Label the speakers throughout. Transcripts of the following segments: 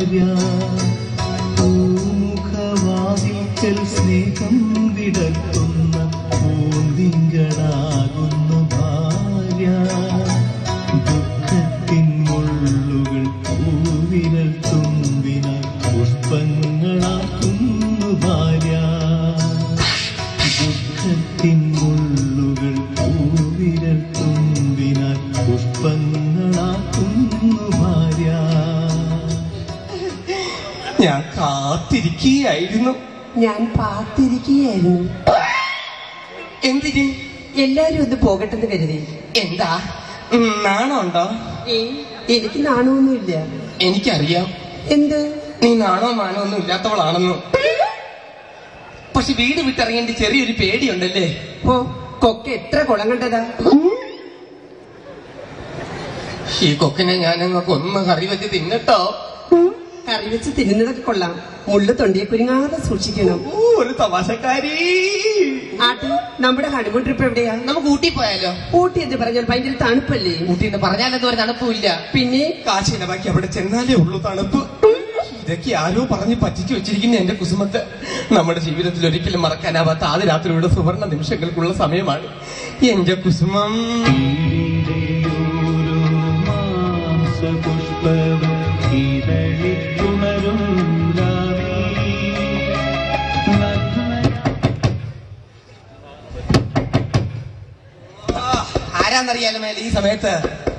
Speaker 1: ഭാര്യ പൂമുഖവാതിൽക്കൽ സ്നേഹം വിടർത്തുന്ന പൂന്തിങ്കളാകുന്നു ഭാര്യ ദുഃഖത്തിൻ മുള്ളുകൾ പൂവിരൽ തുമ്പിനാൽ പുഷ്പങ്ങളാക്കുന്നു ഭാര്യ ദുഃഖത്തിൻ മുള്ളുകൾ പൂവിരൽ തുമ്പിനാൽ പുഷ്പങ്ങളാക്കുന്നു ഭാര്യ.
Speaker 2: ഞാൻ കാത്തിരിക്കുകയായിരുന്നു.
Speaker 3: ഞാൻ പാത്തിരിക്കുകയായിരുന്നു.
Speaker 2: എന്തിന്?
Speaker 3: എല്ലാരും ഒന്ന് പോകട്ടെന്ന് കരുതി.
Speaker 2: എന്താ നാണമുണ്ടോ?
Speaker 3: എനിക്ക് നാണമൊന്നുമില്ല.
Speaker 2: എനിക്കറിയാം
Speaker 3: എന്ത്?
Speaker 2: നീ നാണോ മാനോ ഒന്നും ഇല്ലാത്തവളാണെന്ന്. പക്ഷെ വീട് വിട്ടിറങ്ങേണ്ടി ചെറിയൊരു പേടിയുണ്ടല്ലേ?
Speaker 3: ഓ, കൊക്ക എത്ര കുളം കണ്ടതാ.
Speaker 2: ഈ കൊക്കിനെ ഞാനങ്ങ് കൊന്ന് കറി വെച്ച് തിന്നട്ടോ.
Speaker 3: കറി വെച്ച് തിന്നുന്നതൊക്കെ കൊള്ളാം, മുള്ളു തൊണ്ടിയെ കുരുങ്ങാതെ സൂക്ഷിക്കണം.
Speaker 2: ഒരു തമാശക്കാരി.
Speaker 3: ആട്ട്, നമ്മുടെ ഹണിമൂൺ ട്രിപ്പ് എവിടെയാ?
Speaker 2: നമുക്ക് ഊട്ടി പോയാലോ?
Speaker 3: ഊട്ടി എന്ന് പറഞ്ഞാൽ ഭയങ്കര തണുപ്പല്ലേ?
Speaker 2: ഊട്ടി എന്ന് പറഞ്ഞാലൊന്നും ഒരു തണുപ്പില്ല.
Speaker 3: പിന്നെ
Speaker 2: കാശിനെ ബാക്കി അവിടെ ചെന്നാലേ ഉള്ളൂ തണുപ്പ്. ഇതൊക്കെ ആരോ പറഞ്ഞ് പറ്റിച്ചു വെച്ചിരിക്കുന്ന എന്റെ കുസുമത്ത് നമ്മുടെ ജീവിതത്തിൽ ഒരിക്കലും മറക്കാനാവാത്ത ആദ്യ രാത്രിയുടെ സുവർണ നിമിഷങ്ങൾക്കുള്ള സമയമാണ് എന്റെ കുസുമം. ആരാന്നറിയാലോ മേലെ ഈ സമയത്ത്?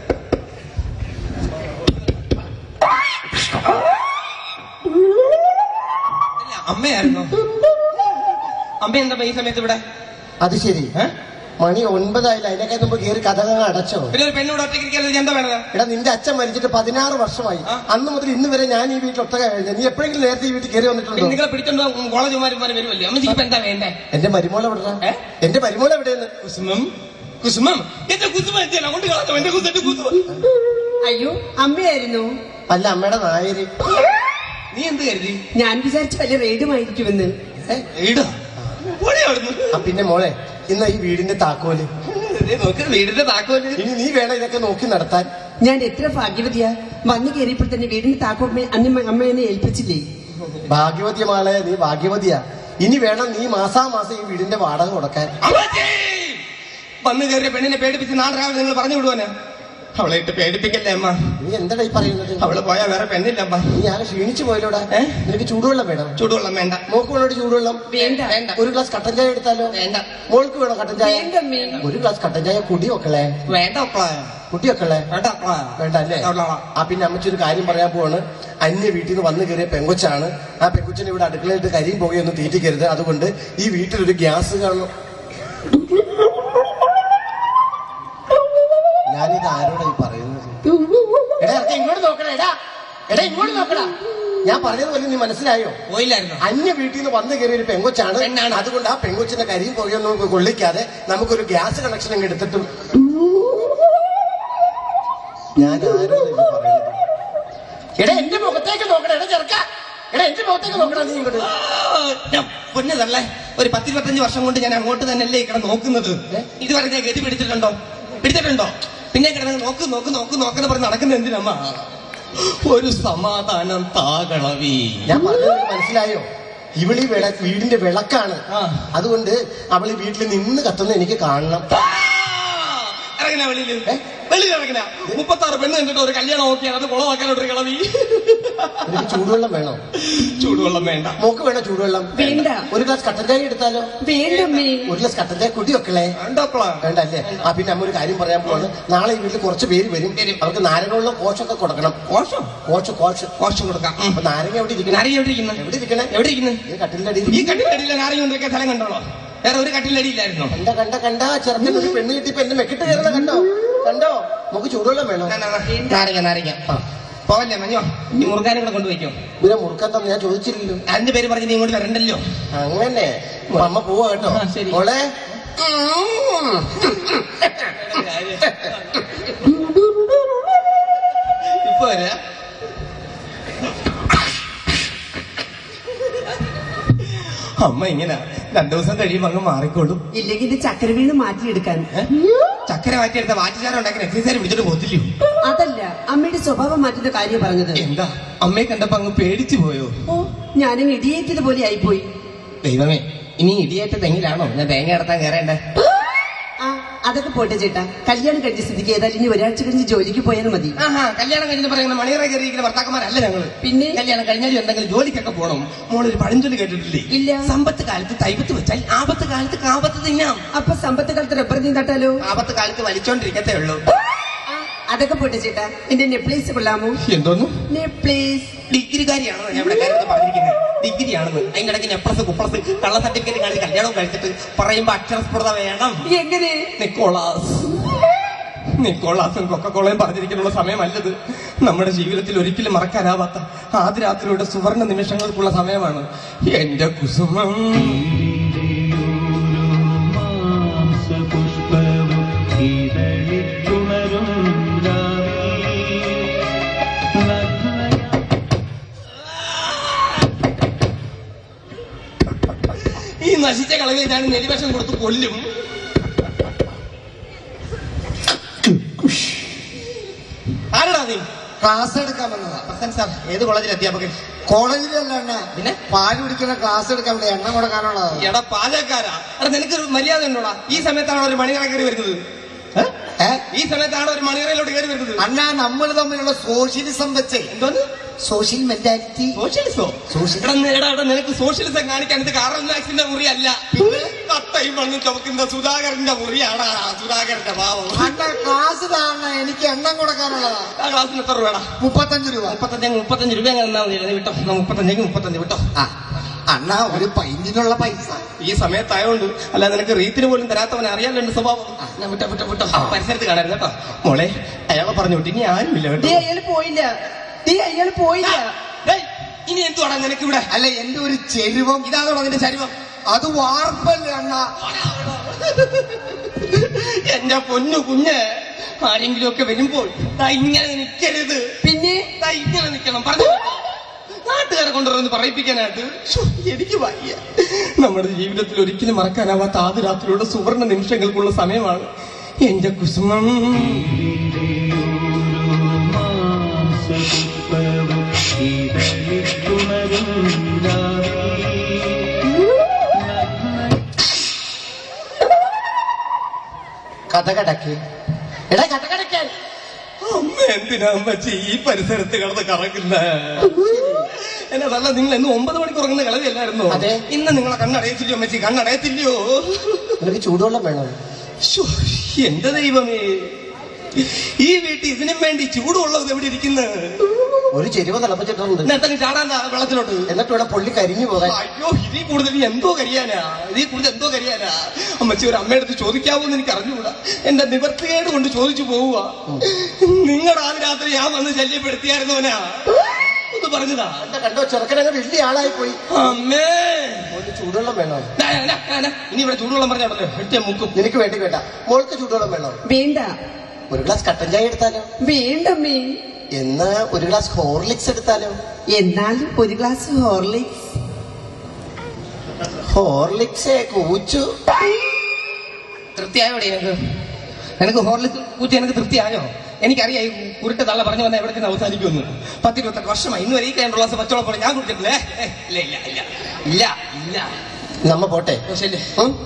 Speaker 2: അമ്മയായിരുന്നോ? അമ്മ എന്താ ഈ സമയത്ത് ഇവിടെ?
Speaker 4: അത് ശരി, മണി 9 ആയില്ല. അതിനൊക്കെ മുമ്പ് കയറി കഥകൾ അടച്ചോ?
Speaker 2: പിന്നെ ഒരു പെണ്ണോട് ഒറ്റയ്ക്ക് എന്താ വേണത്?
Speaker 4: എടാ, നിന്റെ അച്ഛൻ മരിച്ചിട്ട് 16 വർഷമായി. അന്ന് മുതൽ ഇന്ന് വരെ ഞാൻ ഈ വീട്ടിൽ ഒറ്റ കഴിഞ്ഞ. നീ എപ്പോഴെങ്കിലും നേരത്തെ ഈ വീട്ടിൽ കയറി വന്നിട്ടുണ്ടോ?
Speaker 2: നിങ്ങളെ പിടിച്ചോണ്ടോ കോളേജുമാരുമാരെ വരുമല്ലേ? അമ്മ എന്താ വേണ്ടേ?
Speaker 4: എന്റെ മരുമോൾ എവിടെ? എന്റെ മരുമോൾ എവിടെയെന്ന്?
Speaker 2: കുസുമം, കുസുമം, എന്റെ കുസുമം കൊണ്ട് കളഞ്ഞോ എന്റെ കുസുമം.
Speaker 3: അയ്യോ, അമ്മയായിരുന്നു.
Speaker 4: അല്ല, അമ്മയുടെ നായര്.
Speaker 2: നീ എന്ത് കരുതി?
Speaker 3: ഞാൻ വിചാരിച്ചു വലിയ റെയ്ഡുമായിരിക്കുമെന്ന്.
Speaker 4: പിന്നെ മോളെ, ഇന്ന് ഈ വീടിന്റെ താക്കോല്
Speaker 2: നോക്ക്. വീടിന്റെ താക്കോല്
Speaker 4: ഇനി നീ വേണം ഇതൊക്കെ നോക്കി നടത്താൻ.
Speaker 3: ഞാൻ എത്ര ഭാഗ്യവതിയാ, വന്നു കയറിയപ്പോൾ തന്നെ വീടിന്റെ താക്കോൽ അമ്മ എന്നെ ഏൽപ്പിച്ചില്ലേ?
Speaker 4: ഭാഗ്യവതിയ മോളെ, നീ ഭാഗ്യവതിയാ. ഇനി വേണം നീ മാസാമാസം ഈ വീടിന്റെ വാടക കൊടുക്കാൻ.
Speaker 2: വന്നു കയറിയ പെണ്ണിനെ പേടിപ്പിച്ച് നാളെ രാവിലെ നിങ്ങൾ പറഞ്ഞു വിടുവാനാ? അവളെ ഇട്ട് പേടിപ്പിക്കല്ലേ അമ്മ.
Speaker 4: നീ എന്താ ഈ പറയുന്നത്?
Speaker 2: അവള് പോയാ വേറെ പെണ്ണില്ല അമ്മ.
Speaker 4: നീ ആരെ ക്ഷീണിച്ചു പോയല്ലോടാ. നിനക്ക് ചൂടുവെള്ളം വേണം?
Speaker 2: ചൂടുവെള്ളം വേണ്ട.
Speaker 4: മോക്ക് വേണോട് ചൂടുവെള്ളം?
Speaker 3: വേണ്ട.
Speaker 4: ഒരു ഗ്ലാസ് കട്ടൻ ചായ എടുത്താലോ?
Speaker 2: വേണ്ട.
Speaker 4: മോൾക്ക് വേണോ കട്ടൻ ചായ?
Speaker 3: വേണ്ട.
Speaker 4: ഒരു ഗ്ലാസ് കട്ടൻ ചായ കുടി വെക്കളെ.
Speaker 2: വേണ്ട
Speaker 4: കുട്ടി വെക്കളെ. വേണ്ട അല്ലേ? പിന്നെ അമ്മച്ചൊരു കാര്യം പറയാൻ പോവാണ്. അന്യ വീട്ടിൽ നിന്ന് വന്നു കയറിയ പെങ്കൊച്ചാണ്. ആ പെങ്കൊച്ചിനെ ഇവിടെ അടുക്കളയിട്ട് കരിയും പുകയൊന്നും തീറ്റിക്കരുത്. അതുകൊണ്ട് ഈ വീട്ടിലൊരു ഗ്യാസ് കാണും. ഞാനിത് ആരോടായി പറയുന്നത്? എടാ, ഇങ്ങോട്ട് നോക്കണേ. എടാ ഇങ്ങോട്ട് നോക്കടാ. ഞാൻ പറഞ്ഞതുപോലെ നീ മനസ്സിലായോ?
Speaker 2: പോയില്ലായിരുന്നു.
Speaker 4: അന്യ വീട്ടിൽ നിന്ന് വന്നു കയറിയ ഒരു പെങ്കൊച്ചാണ്. അതുകൊണ്ട് ആ പെങ്കൊച്ചിന്റെ കരിയും പുകയൊന്നും കൊള്ളിക്കാതെ നമുക്കൊരു ഗ്യാസ് കണക്ഷൻ അങ്ങ് എടുത്തിട്ടും. ഞാൻ ആരോടായി പറയുന്നത്? എടാ, എന്റെ മുഖത്തേക്ക് നോക്കണേ. എടാ ചെറുക്ക, എടാ എന്റെ മുഖത്തേക്ക് നോക്കണ. നീ ഇങ്ങോട്ട്
Speaker 2: പൊന്നതല്ലേ, ഒരു 10-25 വർഷം കൊണ്ട് ഞാൻ അങ്ങോട്ട് തന്നെയല്ലേ ഇവിടെ നോക്കുന്നത്. ഇതുവരെ ഞാൻ ഗതി പിടിച്ചിട്ടുണ്ടോ? പിന്നെ കിടന്ന് നോക്ക് നോക്ക് നോക്ക് നോക്കെന്ന് പറഞ്ഞ് നടക്കുന്ന എന്തിനമ്മ? ഒരു സമാധാനം താകളവി.
Speaker 4: ഞാൻ പറഞ്ഞത് മനസ്സിലായോ? ഇവളീ വീടിന്റെ വിളക്കാണ്. അതുകൊണ്ട് അവള് വീട്ടിൽ നിന്ന് കത്തുന്ന എനിക്ക് കാണണം.
Speaker 2: ഇറങ്ങണ വെളിയിൽ ഇറങ്ങണ 36 പെണ്ണ് കണ്ടിട്ട് ഒരു കല്യാണം നോക്കിയാൽ അത് കുളമാക്കാനോട്ടൊരു കളവി.
Speaker 4: ചൂടുവെള്ളം വേണോ?
Speaker 2: ചൂടുവെള്ളം വേണ്ട.
Speaker 4: മോക്ക് വേണോ ചൂടുവെള്ളം?
Speaker 3: വേണ്ട.
Speaker 4: ഒരു ഗ്ലാസ് കട്ടൻ ചായ എടുത്താലോ?
Speaker 3: വേണ്ടമ്മേ.
Speaker 4: ഒരു ഗ്ലാസ് കട്ടൻ ചായ കുടി വെക്കളെ. വേണ്ട അല്ലേ? പിന്നെ അമ്മ ഒരു കാര്യം പറയാൻ പോവാണ്. നാളെ ഈ വീട്ടിൽ കുറച്ച് പേര് വരും. അവർക്ക് നാരങ്ങയുള്ള കോശൊക്കെ കൊടുക്കണം. കോശം കൊടുക്കാം. അപ്പൊ നാരങ്ങ എവിടെ ഇരിക്കണം?
Speaker 2: എവിടെ ഇരിക്കുന്നു?
Speaker 4: ഈ കട്ടിലിന്റെ അടിയിൽ.
Speaker 2: ഈ കട്ടിലിന്റെ അടിയിലെ നാരങ്ങ കൊണ്ടൊക്കെ സ്ഥലം കണ്ടോളോ? വേറെ ഒരു കട്ടിലിന്റെ അടിയിലായിരുന്നോ?
Speaker 4: കണ്ട ചെറുക്കൻ ഒരു പെണ്ണ് കിട്ടിയപ്പോ എന്നെ മെക്കിട്ട് കയറുന്ന കണ്ടോ? നമുക്ക് ചൂടുവെള്ളം വേണോ?
Speaker 2: നാരങ്ങ പോവല്ലേ മഞ്ഞോ? ഈ മുറുകാനും കൂടെ കൊണ്ടുപോയിക്കോ.
Speaker 4: പിന്നെ മുറുക്കാൻ തന്നെ ഞാൻ ചോദിച്ചില്ലല്ലോ.
Speaker 2: അതിന്റെ പേര് പറഞ്ഞ് നീ ഇങ്ങോട്ട് വരണ്ടല്ലോ.
Speaker 4: അങ്ങനെ അമ്മ പോവാ കേട്ടോ. മോളെ
Speaker 2: ഇപ്പൊ വരാ. അമ്മ ഇങ്ങനെ രണ്ടു ദിവസം കഴിയുമ്പോൾ അങ്ങ് മാറിക്കോളും.
Speaker 3: ഇല്ലെങ്കിൽ ഇത് ചക്കര വീണ് മാറ്റിയെടുക്കാൻ.
Speaker 2: ചക്കര മാറ്റിയെടുത്ത വാറ്റുചാരം ഉണ്ടാക്കി എക്സസൈസ് പിടിച്ചിട്ട് പോത്തില്ലയോ?
Speaker 3: അതല്ല, അമ്മയുടെ സ്വഭാവം മാറ്റുന്ന കാര്യം പറഞ്ഞത്.
Speaker 2: എന്താ അമ്മയെ കണ്ടപ്പോ അങ്ങ് പേടിച്ചു പോയോ?
Speaker 3: ഓ, ഞാനും ഇടിയേറ്റത് പോലെ ആയിപ്പോയി.
Speaker 2: ദൈവമേ, ഇനി ഇടിയേറ്റ തെങ്ങിലാണോ ഞാൻ തേങ്ങ നടത്താൻ കയറേണ്ടേ?
Speaker 3: ആ, അതൊക്കെ പോട്ടെ ചേട്ടാ. കല്യാണം കഴിച്ച സ്ഥിതിക്ക് ഏതായാലും ഇനി ഒരാഴ്ച കഴിഞ്ഞ് ജോലിക്ക് പോയാൽ മതി.
Speaker 2: ആഹാ, കല്യാണം കഴിഞ്ഞ് പറയുന്ന മണിയറ കയറിയിരിക്കുന്ന ഭർത്താക്കന്മാരല്ല ഞങ്ങള്.
Speaker 3: പിന്നെ
Speaker 2: കല്യാണം കഴിഞ്ഞാലും എന്തെങ്കിലും ജോലിക്കൊക്കെ പോകണം. മോളൊരു പഴഞ്ചൊല്ലി കേട്ടിട്ടില്ലേ?
Speaker 3: ഇല്ല.
Speaker 2: സമ്പത്ത് കാലത്ത് തൈപത്ത് വെച്ചാൽ ആപത്ത് കാലത്ത് കാപത്ത് തിന്നാം.
Speaker 3: അപ്പൊ സമ്പത്ത് കാലത്ത് റബ്ബർ നീ തട്ടാലോ?
Speaker 2: ആപത്ത് കാലത്ത് വലിച്ചോണ്ടിരിക്കത്തേ ഉള്ളൂ.
Speaker 3: അതൊക്കെ പോട്ടെ ചേട്ടാ. എന്റെ നെപ്ലേസ് കൊള്ളാമോ?
Speaker 2: എന്തോന്നു?
Speaker 3: നെപ്ലേസ്.
Speaker 2: ഡിഗ്രിക്കാരിയാണെന്ന് ഞാൻ ഇവിടെ കാര്യത്തിൽ പറഞ്ഞിരിക്കുന്നത്. ഡിഗ്രിയാണെന്ന്. അതിന്റെ ഇടയ്ക്ക് നെപ്ലസ് കുപ്ലസ് കള്ള സർട്ടിഫിക്കറ്റ് കാണിച്ച് കല്യാണം കഴിച്ചിട്ട് പറയുമ്പോ അക്ഷരസ്ഫുടത വേണം.
Speaker 3: എങ്ങനെ?
Speaker 2: നിക്കോളാസും കൊക്കക്കോളയും പറഞ്ഞിരിക്കാനുള്ള സമയമല്ലത്. നമ്മുടെ ജീവിതത്തിൽ ഒരിക്കലും മറക്കാനാവാത്ത ആദ്യ രാത്രിയുടെ സുവർണ നിമിഷങ്ങൾക്കുള്ള സമയമാണ്. എന്റെ കുസുമം
Speaker 1: പുഷ്പവും ഇതളിത്തുണരും
Speaker 2: ഈ നശിച്ച കളവിൽ ഞാൻ നെലിവേഷം കൊടുത്ത് കൊല്ലും. ആരടാ നീ?
Speaker 5: ക്ലാസ് എടുക്കാൻ വന്നതാ.
Speaker 2: പ്രസന്റ് സാർ, ഏത് കോളേജിൽ അധ്യാപകൻ?
Speaker 5: കോളേജിലല്ല എണ്ണ,
Speaker 2: പിന്നെ
Speaker 5: പാല് കുടിക്കുന്ന ക്ലാസ് എടുക്കാൻ വേണ്ടി എണ്ണ കൊടുക്കാനുള്ളതാ.
Speaker 2: എടാ പാചകക്കാരാ, എടാ നിനക്കൊരു മര്യാദ ഉണ്ടോടാ? ഈ സമയത്താണോ ഒരു മണിയറ കയറി വരുന്നത്? ഈ സമയത്താണോ ഒരു മണിയറയിലോട്ട് കയറി വരുന്നത്?
Speaker 5: അണ്ണാ, നമ്മൾ തമ്മിലുള്ള സോഷ്യലിസം വെച്ചേ.
Speaker 2: എന്തോന്ന്?
Speaker 5: Social mentality.
Speaker 2: സോഷ്യലിസോ? നിനക്ക് സോഷ്യലിസം കാണിക്കാൻ ഇത് കാറൽ മാക്സിന്റെ മുറിയല്ല, പിന്നെ കട്ടയും മണ്ണും ചുമക്കുന്ന സുധാകരന്റെ മുറിയാടാ. സുധാകരന്റെ പാവം.
Speaker 5: അണ്ണാ, ക്ലാസ് താണ എനിക്ക് എണ്ണം കൊടുക്കാനുള്ളതാ.
Speaker 2: ആ ക്ലാസ്സിന് എത്ര രൂപ?
Speaker 5: 35 രൂപ.
Speaker 2: 35 രൂപ എന്നാ വിട്ടോ. 35 വിട്ടോ.
Speaker 5: അണ്ണാ, ഒരു പൈന്റിനുള്ള പൈസ
Speaker 2: ഈ സമയത്തായോണ്ട്. അല്ല, നിനക്ക് റീത്തിന് പോലും തരാത്തവനെ അറിയാലോ എന്റെ സ്വഭാവം. ഞാൻ വിട്ടോ. പരിസരത്ത് കാണരുത് കേട്ടോ മോളെ. അയാളെ പറഞ്ഞു വിട്ടു. ഇനി ആരുമില്ല കേട്ടോ.
Speaker 3: അയാൾ പോയില്ല. അയാൾ പോയില്ല.
Speaker 2: ഇനി എന്തുവാടാ നിനക്ക് ഇവിടെ?
Speaker 5: അല്ല, എന്റെ ഒരു ചെരുവം.
Speaker 2: ഇതാണോ അതിന്റെ ചരിവം?
Speaker 5: അത് വാർപ്പല്ലേ അണ്ണാ.
Speaker 2: എന്റെ പൊന്നു കുഞ്ഞ്, ആരെങ്കിലും ഒക്കെ വരുമ്പോൾ ഇങ്ങനെ നിൽക്കരുത്.
Speaker 3: പിന്നെ
Speaker 2: ഇങ്ങനെ നിൽക്കണം. പറഞ്ഞു നാട്ടുകാരെ കൊണ്ടുവന്ന് പറയിപ്പിക്കാനായിട്ട് എനിക്ക് വയ്യ. നമ്മുടെ ജീവിതത്തിൽ ഒരിക്കലും മറക്കാനാവാത്ത ആദ്യ രാത്രിയുടെ സുവർണ നിമിഷങ്ങൾക്കുള്ള സമയമാണ് എന്റെ കുസുമം.
Speaker 1: പുഷ്പവും ഇതളിത്തുണരും
Speaker 5: കഥകടക്ക്. എടാ, കഥകടക്കാൻ.
Speaker 2: അമ്മ എന്തിനാ അമ്മച്ചി ഈ പരിസരത്ത് കിടന്ന് കറങ്ങുന്ന? എന്നതല്ല, നിങ്ങൾ എന്ന് 9 മണിക്ക് ഉറങ്ങുന്ന കളവിയല്ലായിരുന്നോ?
Speaker 5: അതെ.
Speaker 2: ഇന്ന് നിങ്ങളെ കണ്ണടയത്തില്ലയോ അമ്മച്ചി? കണ്ണടയത്തില്ലയോ?
Speaker 5: നിനക്ക് ചൂടുവെള്ളം വേണോ?
Speaker 2: എന്റെ ദൈവമേ, ഈ വീട്ടിൽ ഇതിനും വേണ്ടി ചൂടുള്ളത് എവിടെ ഇരിക്കുന്നത്?
Speaker 5: ഒരു ചെരുവ തിളപ്പിച്ചിട്ടുണ്ട്.
Speaker 2: നേരത്തെ ചാടാൻ വെള്ളത്തിലോട്ട്.
Speaker 5: എന്നിട്ട് ഇവിടെ പൊള്ളി കരിഞ്ഞു പോകാൻ.
Speaker 2: അയ്യോ, ഇതിൽ കൂടുതൽ എന്തോ കരിയാനാ. അമ്മച്ചി ഒരു അമ്മയടുത്ത് ചോദിക്കാവോന്ന് എനിക്ക് അറിഞ്ഞുകൂടാ. എന്റെ നിവർത്തികേട് കൊണ്ട് ചോദിച്ചു പോവുക. നിങ്ങളുടെ ആദ്യ രാത്രി ഞാൻ വന്ന് ശല്യപ്പെടുത്തിയായിരുന്നോനാ ഒന്ന് പറഞ്ഞതാ.
Speaker 5: കണ്ടോ, ചെറുക്കനങ്ങ് വലിയ ആളായി പോയി.
Speaker 2: അമ്മേ,
Speaker 5: ഒരു ചൂടുവെള്ളം വേണോ?
Speaker 2: ഇനി ഇവിടെ ചൂടുവെള്ളം പറഞ്ഞാണല്ലോ എട്ടിയ മുക്കും.
Speaker 5: നിനക്ക് വേണ്ടി വേണ്ട. മോൾക്ക് ചൂടുവെള്ളം വേണോ?
Speaker 3: വേണ്ട.
Speaker 5: ഒരു ഗ്ലാസ് കട്ടൻ ചായ എടുത്താലോ?
Speaker 3: വേണ്ടമ്മേ.
Speaker 5: എന്ന് ഒരു ഗ്ലാസ് ഹോർലിക്സ് എടുത്താലോ?
Speaker 3: എന്നാലും ഒരു ഗ്ലാസ് ഹോർലിക്സ്.
Speaker 5: ഹോർലിക്സ് കൂച്ചു.
Speaker 2: തൃപ്തിയായോടെ എനിക്ക് ഹോർലിക്സ് കൂറ്റി എനിക്ക് തൃപ്തിയായോ? എനിക്കറിയാം ഈ കുരുട്ട് തള്ള പറഞ്ഞു വന്ന എവിടെ നിന്ന് അവസാനിക്കുമെന്ന്. 10-28 വർഷമായി ഇന്ന് വരെ ഈ കഴിഞ്ഞ ഗ്ലാസ് പച്ചവെള്ളം പോലെ ഞാൻ കുടിച്ചിട്ടില്ലേ? ഇല്ല.
Speaker 5: നമ്മ പോട്ടെ.
Speaker 2: ശരി,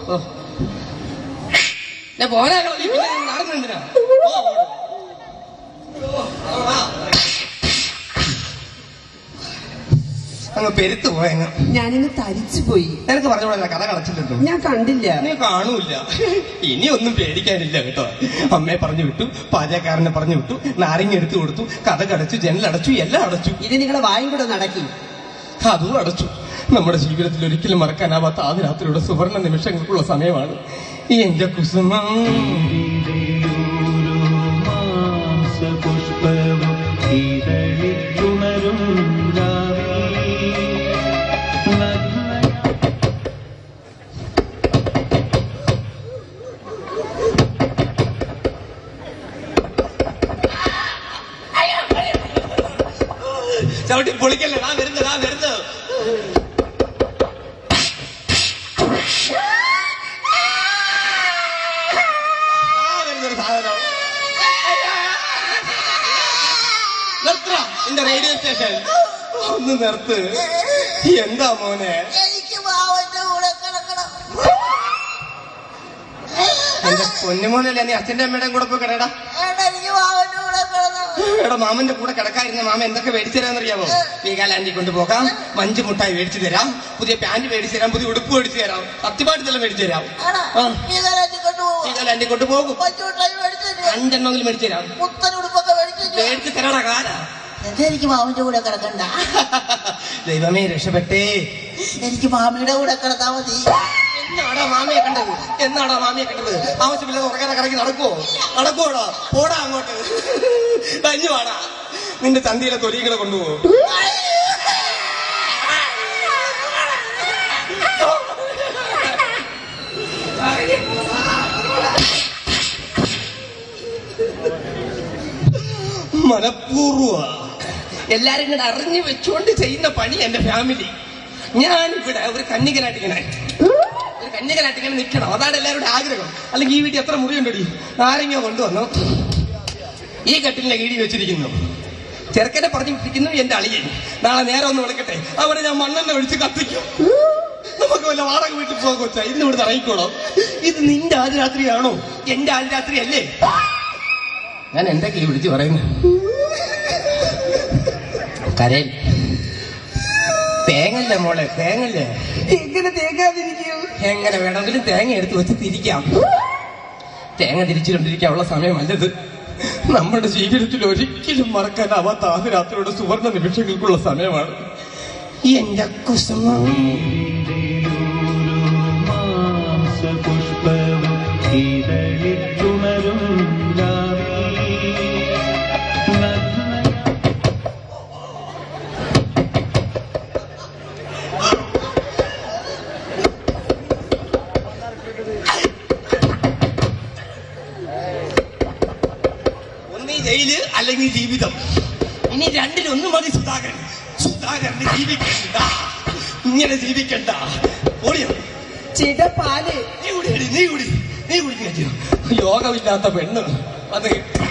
Speaker 2: ഞാൻ പോരാ. നടന്നെന്തിനാ? അങ്ങ് പെരുത്തു പോയങ്ങ്.
Speaker 3: ഞാനിന്ന് തരിച്ചു പോയി.
Speaker 2: നിനക്ക് പറഞ്ഞോളാം കഥ കളച്ചിട്ടുണ്ടോ?
Speaker 3: ഞാൻ കണ്ടില്ല.
Speaker 2: നീ കാണൂല. ഇനി ഒന്നും പേടിക്കാനില്ല കേട്ടോ. അമ്മയെ പറഞ്ഞു വിട്ടു, പാചകക്കാരനെ പറഞ്ഞു വിട്ടു, നാരങ്ങ എടുത്തു കൊടുത്തു, കഥ കടച്ചു, ജനലടച്ചു, എല്ലാം അടച്ചു.
Speaker 3: ഇത് നിങ്ങളെ വായും കൂടെ നടക്കി.
Speaker 2: അതും അടച്ചു. നമ്മുടെ ജീവിതത്തിൽ ഒരിക്കലും മറക്കാനാവാത്ത ആദ്യ രാത്രിയുടെ സുവർണ നിമിഷങ്ങൾക്കുള്ള സമയമാണ് ഈ എന്റെ കുസുമം.
Speaker 1: പുഷ്പവും ഇതളിത്തുണരും
Speaker 2: ചവിട്ടി പൊളിക്കല്ലേ. ഞാൻ വരുന്നത് എന്റെ റേഡിയോ സ്റ്റേഷൻ ഒന്ന് നിർത്ത്. എന്താ മോനെ?
Speaker 6: എനിക്ക് മാവന്റെ കൂടെ കിടക്കണം.
Speaker 2: എന്റെ പൊന്നുമോനല്ലേ, നീ അച്ഛന്റെ അമ്മയുടെയും കൂടെ പോയി കിടടാ.
Speaker 6: എനിക്ക് മാവന്റെ കൂടെ കിടക്കണം.
Speaker 2: എടാ, മാമന്റെ കൂടെ കിടക്കാതിരുന്ന മാമ എന്തൊക്കെ മേടിച്ചു തരാന്നറിയാമോ? വീഗാലാൻഡി കൊണ്ടുപോകാം, മഞ്ച് മുട്ടായി മേടിച്ചു തരാം, പുതിയ പാന്റ് മേടിച്ചു തരാം, പുതിയ ഉടുപ്പ് മേടിച്ചു തരാം, സത്യമായിട്ടെല്ലാം മേടിച്ചു തരാം. വീഗാലാൻഡി കൊണ്ടുപോകും. 5 മേടിച്ചു തരാം.
Speaker 6: ഉടുപ്പൊക്കെ
Speaker 2: മേടിച്ചു തരാടാ കാലാ.
Speaker 6: എനിക്ക് മാമന്റെ കൂടെ കിടക്കണ്ട.
Speaker 2: ദൈവമേ രക്ഷപ്പെട്ടേ.
Speaker 6: എനിക്ക് മാമിയുടെ കൂടെ കിടത്താ മതി.
Speaker 2: എന്നാടാ മാമിയെ കണ്ടത്? എന്നാടാ മാമിയെ കണ്ടത്? ആവശ്യമില്ലാതെ ഉറക്കാതെ കറങ്ങി നടക്കുവോടാ? പോടാ അങ്ങോട്ട്. തഞ്ഞു വാടാ. നിന്റെ ചന്തിയിലെ തൊലികളെ കൊണ്ടുപോകും. മനഃപൂർവ്വ എല്ലാരും ഇങ്ങനെ അറിഞ്ഞു വെച്ചുകൊണ്ട് ചെയ്യുന്ന പണി എന്റെ ഫാമിലി. ഞാനിവിടെ ഒരു കന്യകനായിട്ടിങ്ങനെ നിൽക്കണം. അതാണ് എല്ലാവരുടെ ആഗ്രഹം. അല്ലെങ്കിൽ ഈ വീട്ടിൽ എത്ര മുറിയുണ്ടടി? ആരെങ്കിലും കൊണ്ടുവന്നു ഈ കട്ടിലിന്റെ കീഴിൽ വെച്ചിരിക്കുന്നു. ചെറുക്കനെ പറഞ്ഞു വിട്ടിരിക്കുന്നു എന്റെ അളിയൻ. നാളെ നേരെ ഒന്ന് വിളിക്കട്ടെ, അവിടെ ഞാൻ മണ്ണെണ്ണ ഒഴിച്ച് കത്തിക്കും. നമുക്ക് വല്ല വാടക വീട്ടിൽ പോകാൻ കൊച്ചാ. ഇന്ന് ഇവിടെ ഇറങ്ങിക്കോളാം. ഇത് നിന്റെ ആദ്യരാത്രിയാണോ? എന്റെ ആദ്യരാത്രി അല്ലേ? ഞാൻ എന്തൊക്കെയാ വിളിച്ച് പറയുന്നത്? കരയിൽ തേങ്ങല്ലേ മോളെ, തേങ്ങല്ലേ.
Speaker 3: എങ്ങനെ തേങ്ങാതിരിക്കും?
Speaker 2: എങ്ങനെ വേണമെങ്കിലും തേങ്ങ എടുത്ത് വെച്ച് തിരിക്കാം. തേങ്ങ തിരിച്ചുകൊണ്ടിരിക്കാനുള്ള സമയമല്ലത്. നമ്മുടെ ജീവിതത്തിൽ ഒരിക്കലും മറക്കാനാവാത്ത ആദ്യരാത്രിയുടെ സുവർണ നിമിഷങ്ങൾക്കുള്ള സമയമാണ്. എന്റെ കുസുമം
Speaker 1: മാംസപുഷ്പവും ഇതളിത്തുണരും
Speaker 2: ജയില് അല്ലെങ്കിൽ ജീവിതം. ഇനി രണ്ടിലൊന്നും മതി സുധാകരന് ജീവിക്കണ്ട, ഇങ്ങനെ ജീവിക്കണ്ട. ഓടിയോ
Speaker 3: ചേട്ടാ പാല്.
Speaker 2: നീ കുടി യോഗമില്ലാത്ത പെണ്ണ് അത്.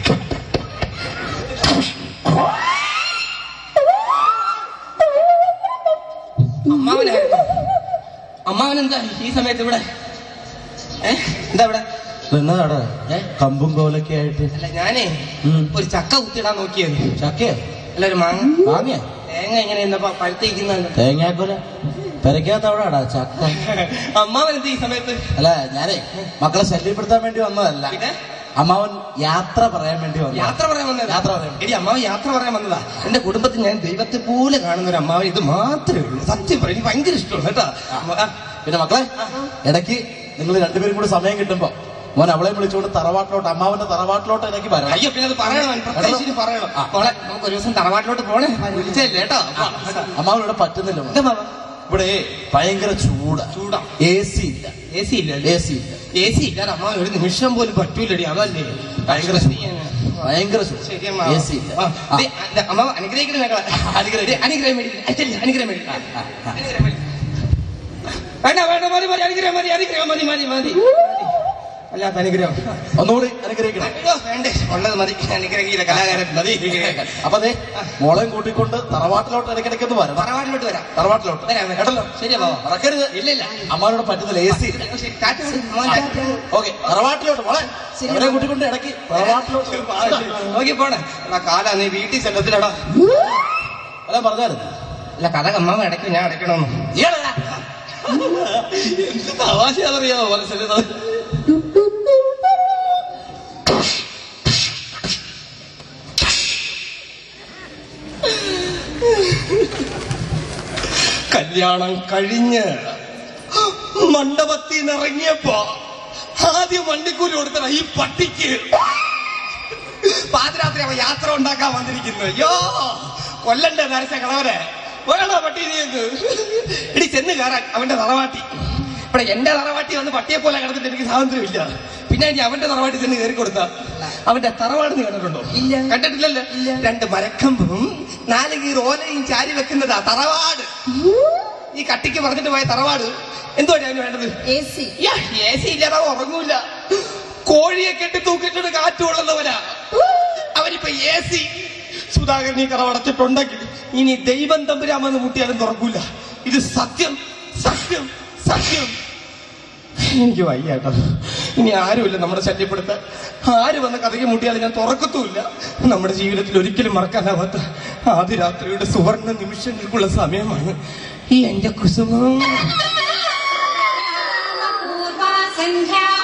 Speaker 2: അമ്മാവനെന്താ ഈ സമയത്ത് ഇവിടെ? എന്താ ഇവിടെ
Speaker 5: എന്നതാടാ കമ്പും കോലൊക്കെ ആയിട്ട്?
Speaker 2: അല്ല, ഞാനേ ഒരു ചക്ക കുത്തിയിടാൻ നോക്കിയത്.
Speaker 5: ചക്കയോ?
Speaker 2: അല്ല, ഒരു
Speaker 5: മാങ്ങ.
Speaker 2: തേങ്ങ എങ്ങനെ പഴുത്തിരിക്കുന്ന
Speaker 5: തേങ്ങാക്കൊല പെരക്കാത്തവിടാടാ ചക്ക.
Speaker 2: അമ്മാവൻ എന്ത് ഈ സമയത്ത്?
Speaker 5: അല്ല, ഞാനേ മക്കളെ ശല്യപ്പെടുത്താൻ വേണ്ടി വന്നതല്ല. അമ്മാവൻ യാത്ര പറയാൻ വേണ്ടി വന്നു.
Speaker 2: യാത്ര പറയാൻ എടി, അമ്മാവൻ യാത്ര പറയാൻ വന്നതാ. എന്റെ കുടുംബത്തിൽ ഞാൻ ദൈവത്തെ പോലെ കാണുന്ന ഒരു അമ്മാവൻ ഇത് മാത്രമേ ഉള്ളൂ. സത്യം പറയും, എനിക്ക് ഭയങ്കര ഇഷ്ടമാണ് കേട്ടോ.
Speaker 5: പിന്നെ മക്കളെ, ഇടയ്ക്ക് നിങ്ങൾ രണ്ടുപേരും കൂടി സമയം കിട്ടുമ്പോ മോൻ അവളെ വിളിച്ചുകൊണ്ട് തറവാട്ടിലോട്ട്, അമ്മാവന്റെ തറവാട്ടിലോട്ട് എനിക്ക് വരണം.
Speaker 2: അയ്യോ, പിന്നെ അത് പറയണം, പ്രത്യേകിച്ച് പറയണം. മോളെ, നമുക്ക് ഒരു ദിവസം തറവാട്ടിലോട്ട് പോണേ, വിളിച്ചല്ലേ കേട്ടോ.
Speaker 5: അമ്മാവൻ ഇവിടെ പറ്റുന്നില്ല. ഇവിടെ ഭയങ്കര ചൂടാ. AC ഇല്ല.
Speaker 2: AC ഇല്ലാതെ അമ്മാവൻ ഒരു നിമിഷം പോലും പറ്റൂലടി. അതല്ലേ
Speaker 5: ഭയങ്കര ചൂട്.
Speaker 2: ശരി
Speaker 5: AC ഇല്ല.
Speaker 2: അമ്മാവ അനുഗ്രഹിക്കണം. അനുഗ്രഹം അല്ലാത്ത അനുഗ്രഹം
Speaker 5: ഒന്നുകൂടി അനുഗ്രഹിക്കണം.
Speaker 2: വേണ്ടേ, ഉള്ളത് മതി. അനുഗ്രഹിക്കില്ല, കലാകാരൻ മതി.
Speaker 5: അപ്പൊ അതെ, മോളെയും കൂട്ടിക്കൊണ്ട് തറവാട്ടിലോട്ട് ഇടയ്ക്കിടയ്ക്കൊന്ന് വരാം. തറവാട്ടിലോട്ട് കേട്ടല്ലോ?
Speaker 2: ശരിയാ,
Speaker 5: മറക്കരുത്.
Speaker 2: ഇല്ല,
Speaker 5: അമ്മാനോട് പറ്റുന്നില്ല. AC ഇല്ല. ഓക്കെ, തറവാട്ടിലോട്ട് മോളെ അവരെ കൂട്ടിക്കൊണ്ട് ഇടയ്ക്ക് തറവാട്ടിലോട്ട്
Speaker 2: നോക്കി പോണേ. കാലാ, നീ വീട്ടിൽ ചെല്ലത്തിലടാ.
Speaker 5: അല്ല പറഞ്ഞായിരുന്നു.
Speaker 2: അല്ല, കഥ അമ്മാവ ഇടയ്ക്ക് ഞാൻ അടയ്ക്കണമെന്ന്. എന്ത് തമാശയാണെന്നറിയാമോ മനസ്സിലായത്? കല്യാണം കഴിഞ്ഞ് മണ്ഡപത്തിൽ നിന്ന് ഇറങ്ങിയപ്പോ ആദ്യം വണ്ടിക്കൂലി കൊടുത്തണ ഈ പട്ടിക്ക്. പാതിരാത്രി അവൻ യാത്ര ഉണ്ടാക്കാൻ വന്നിരിക്കുന്നു. അയ്യോ, കൊല്ലണ്ടേ നരച്ച കളവരെ. വേണോ പട്ടി നീക്ക്? ഇടി ചെന്ന് കയറാൻ അവന്റെ തറവാട്ടി. ഇവിടെ എന്റെ തറവാട്ടി വന്ന് പട്ടിയെ പോലെ കിടന്നിട്ട് എനിക്ക് സ്വാതന്ത്ര്യമില്ല. പിന്നെ ഞാൻ അവന്റെ തറവാട്ടി ചെന്ന് കയറി കൊടുത്ത അവന്റെ തറവാട് നീ കണ്ടിട്ടുണ്ടോ?
Speaker 3: ഇല്ല.
Speaker 2: കണ്ടിട്ടില്ലല്ലോ. 2 മരക്കമ്പും 4 കീർ ഓലയും ചാരി വെക്കുന്നതാ തറവാട്. ഈ കട്ടിക്ക് പറഞ്ഞിട്ട് പോയ തറവാട് എന്തുവാണ് അതിന് വേണ്ടത്?
Speaker 3: AC
Speaker 2: ഇല്ലാതെ ഉറങ്ങൂല. കോഴിയെ കെട്ടി തൂക്കിട്ടിട്ട് കാറ്റ് കൊള്ളുന്നവനാ അവനിപ്പോ AC. സുധാകരൻ ഈ കട അടച്ചിട്ടുണ്ടെങ്കിൽ ഇനി ദൈവം തമ്പുരാമെന്ന് മുട്ടിയാലും തുറക്കൂല. ഇത് സത്യം, സത്യം, സത്യം. എനിക്ക് വയ്യാട്ടോ. ഇനി ആരുമില്ല നമ്മുടെ ശല്യപ്പെടുത്താൻ. ആര് വന്ന് കഥയ്ക്ക് മുട്ടിയാലും ഞാൻ തുറക്കത്തുമില്ല. നമ്മുടെ ജീവിതത്തിൽ ഒരിക്കലും മറക്കാനാവാത്ത ആദ്യ രാത്രിയുടെ സുവർണ നിമിഷങ്ങൾക്കുള്ള സമയമാണ് ഈ എന്റെ കുസുമം.
Speaker 7: സന്ധ്യ